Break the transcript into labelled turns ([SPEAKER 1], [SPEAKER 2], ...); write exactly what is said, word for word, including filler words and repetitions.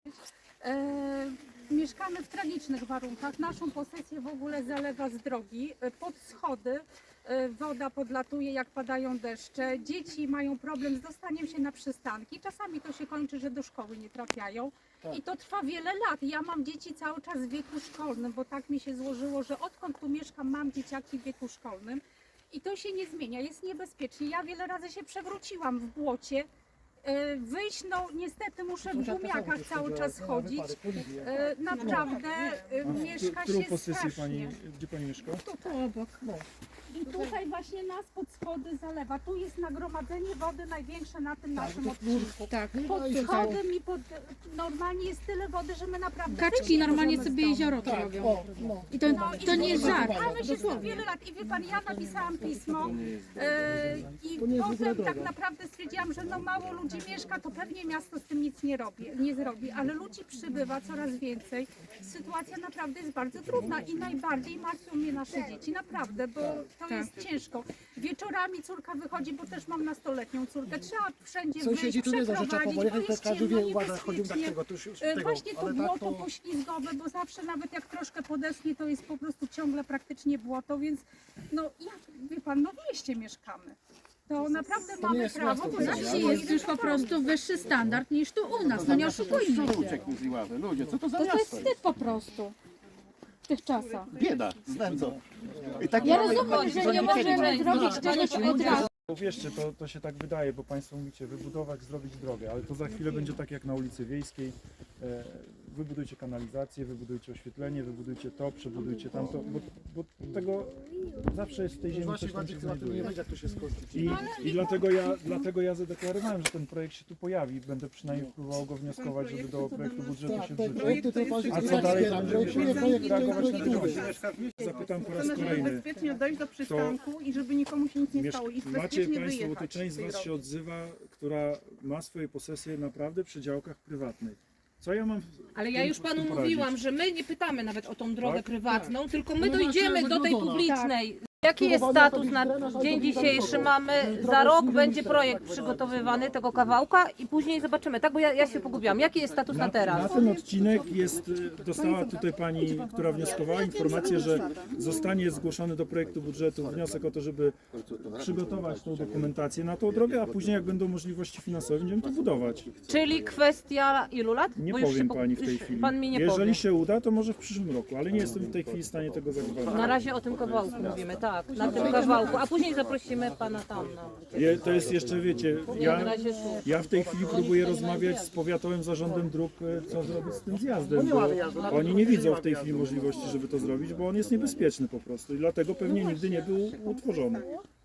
[SPEAKER 1] E, mieszkamy w tragicznych warunkach. Naszą posesję w ogóle zalewa z drogi. E, pod schody e, woda podlatuje, jak padają deszcze. Dzieci mają problem z dostaniem się na przystanki. Czasami to się kończy, że do szkoły nie trafiają. I to trwa wiele lat. Ja mam dzieci cały czas w wieku szkolnym, bo tak mi się złożyło, że odkąd tu mieszkam, mam dzieciaki w wieku szkolnym. I to się nie zmienia, jest niebezpiecznie. Ja wiele razy się przewróciłam w błocie. E, Wyjść, no niestety muszę w gumiakach cały czas chodzić. E, Naprawdę e, mieszka
[SPEAKER 2] Którą
[SPEAKER 1] się
[SPEAKER 2] posesję pani,
[SPEAKER 1] strasznie.
[SPEAKER 2] gdzie pani mieszka?
[SPEAKER 1] Tu obok. I tutaj właśnie nas pod schody zalewa. Tu jest nagromadzenie wody największe na tym naszym odcinku.
[SPEAKER 3] Tak.
[SPEAKER 1] Pod schodem i pod... Normalnie jest tyle wody, że my naprawdę...
[SPEAKER 3] Kaczki
[SPEAKER 1] wyjść nie
[SPEAKER 3] normalnie
[SPEAKER 1] możemy
[SPEAKER 3] sobie
[SPEAKER 1] z domu.
[SPEAKER 3] jezioro to robią. I to, to nie jest żart.
[SPEAKER 1] Mamy się tu wiele lat i wie pan, ja napisałam pismo e, i potem tak naprawdę stwierdziłam, że no mało ludzi mieszka, to pewnie miasto z tym nic nie robi, nie zrobi, ale ludzi przybywa coraz więcej. Sytuacja naprawdę jest bardzo trudna i najbardziej martwią mnie nasze dzieci, naprawdę, bo to jest ciężko. Wieczorami córka wychodzi, bo też mam nastoletnią córkę, trzeba wszędzie
[SPEAKER 4] Sąsiedzi
[SPEAKER 1] wyjść,
[SPEAKER 4] tu wiedzą, że trzeba
[SPEAKER 1] przeprowadzić,
[SPEAKER 4] powoli,
[SPEAKER 1] bo
[SPEAKER 4] to
[SPEAKER 1] jest
[SPEAKER 4] każdy
[SPEAKER 1] ciemno,
[SPEAKER 4] wie, uważa, chodził tak
[SPEAKER 1] niebezpiecznie.
[SPEAKER 4] tego, to już już
[SPEAKER 1] E,
[SPEAKER 4] tego,
[SPEAKER 1] Właśnie to
[SPEAKER 4] ale
[SPEAKER 1] błoto
[SPEAKER 4] tak to...
[SPEAKER 1] poślizgowe, bo zawsze nawet jak troszkę podeschnie, to jest po prostu ciągle praktycznie błoto, więc no jak wie pan, no w mieście mieszkamy. To naprawdę
[SPEAKER 4] nie
[SPEAKER 1] mamy
[SPEAKER 4] jest
[SPEAKER 1] prawo,
[SPEAKER 4] miasto,
[SPEAKER 1] bo
[SPEAKER 4] to
[SPEAKER 3] Na
[SPEAKER 4] jest
[SPEAKER 3] wsi jest już po prostu wyższy standard niż tu u nas. No nie oszukujmy się.
[SPEAKER 5] Ludzie, co to za
[SPEAKER 3] To, to jest
[SPEAKER 5] miasto?
[SPEAKER 3] wstyd po prostu w tych czasach.
[SPEAKER 5] Bieda, z nędzą. I tak
[SPEAKER 3] Ja
[SPEAKER 5] mamy-
[SPEAKER 3] rozumiem, że nie możemy zrobić czegoś od razu.
[SPEAKER 2] Uwierzcie, to, to się tak wydaje, bo Państwo mówicie wybudować, zrobić drogę, ale to za chwilę będzie tak jak na ulicy Wiejskiej. E, wybudujcie kanalizację, wybudujcie oświetlenie, wybudujcie to, przebudujcie tamto, bo, bo tego zawsze jest w tej ziemi
[SPEAKER 4] Właśnie
[SPEAKER 2] coś tam się
[SPEAKER 4] bardziej chyba tu nie
[SPEAKER 2] znajduje.
[SPEAKER 4] będzie, jak to się skończy.
[SPEAKER 2] I, i dlatego, ja, dlatego ja zadeklarowałem, że ten projekt się tu pojawi. Będę przynajmniej próbował go wnioskować, żeby do projektu budżetu się
[SPEAKER 4] Tak, te
[SPEAKER 2] wrzucił.
[SPEAKER 4] projekty to bardziej
[SPEAKER 2] A co dalej tam
[SPEAKER 4] projektuje
[SPEAKER 2] będziemy
[SPEAKER 4] projekt i
[SPEAKER 2] reagować na
[SPEAKER 4] projektuje.
[SPEAKER 2] te Zapytam po raz
[SPEAKER 6] Chcemy, żeby
[SPEAKER 2] kolejny.
[SPEAKER 6] bezpiecznie dojść do przystanku i żeby nikomu się nic nie
[SPEAKER 2] Miesz-
[SPEAKER 6] stało i
[SPEAKER 2] Macie
[SPEAKER 6] bezpiecznie
[SPEAKER 2] Państwo, bo tu
[SPEAKER 6] wyjechać.
[SPEAKER 2] część z
[SPEAKER 6] z tej
[SPEAKER 2] Was się
[SPEAKER 6] drogi.
[SPEAKER 2] odzywa, która ma swoje posesje naprawdę przy działkach prywatnych. Co ja mam w
[SPEAKER 7] Ale
[SPEAKER 2] tym-
[SPEAKER 7] ja już
[SPEAKER 2] z
[SPEAKER 7] panu
[SPEAKER 2] tym poradzić?
[SPEAKER 7] mówiłam, że my nie pytamy nawet o tą drogę
[SPEAKER 2] Tak?
[SPEAKER 7] prywatną, tylko my
[SPEAKER 4] No właśnie,
[SPEAKER 7] dojdziemy do tej
[SPEAKER 4] wygląda.
[SPEAKER 7] publicznej. Jaki jest status na dzień dzisiejszy? Mamy, za rok będzie projekt przygotowywany tego kawałka i później zobaczymy, tak? Bo ja, ja się pogubiłam. Jaki jest status na
[SPEAKER 2] Na
[SPEAKER 7] teraz?
[SPEAKER 2] ten odcinek jest, y, dostała tutaj pani, która wnioskowała, informację, że zostanie zgłoszony do projektu budżetu wniosek o to, żeby przygotować tą dokumentację na tą drogę, a później jak będą możliwości finansowe, będziemy to budować.
[SPEAKER 7] Czyli kwestia ilu lat?
[SPEAKER 2] Nie
[SPEAKER 7] Bo już
[SPEAKER 2] powiem
[SPEAKER 7] się
[SPEAKER 2] pani w
[SPEAKER 7] już
[SPEAKER 2] tej chwili.
[SPEAKER 7] Pan mi nie
[SPEAKER 2] Jeżeli
[SPEAKER 7] powie.
[SPEAKER 2] się uda, to może w przyszłym roku, ale nie jestem w tej chwili w stanie tego
[SPEAKER 7] Na
[SPEAKER 2] zagwarantować.
[SPEAKER 7] razie o tym kawałku mówimy, tak, na tym kawałku, a później zaprosimy pana tam. No.
[SPEAKER 2] Je, to jest jeszcze, wiecie,
[SPEAKER 7] Na
[SPEAKER 2] ja,
[SPEAKER 7] razie tu.
[SPEAKER 2] ja w tej chwili próbuję rozmawiać z powiatowym zarządem dróg, e, co zrobić z tym zjazdem, bo oni nie widzą w tej chwili możliwości, żeby to zrobić, bo on jest niebezpieczny po prostu i dlatego pewnie nigdy nie był utworzony.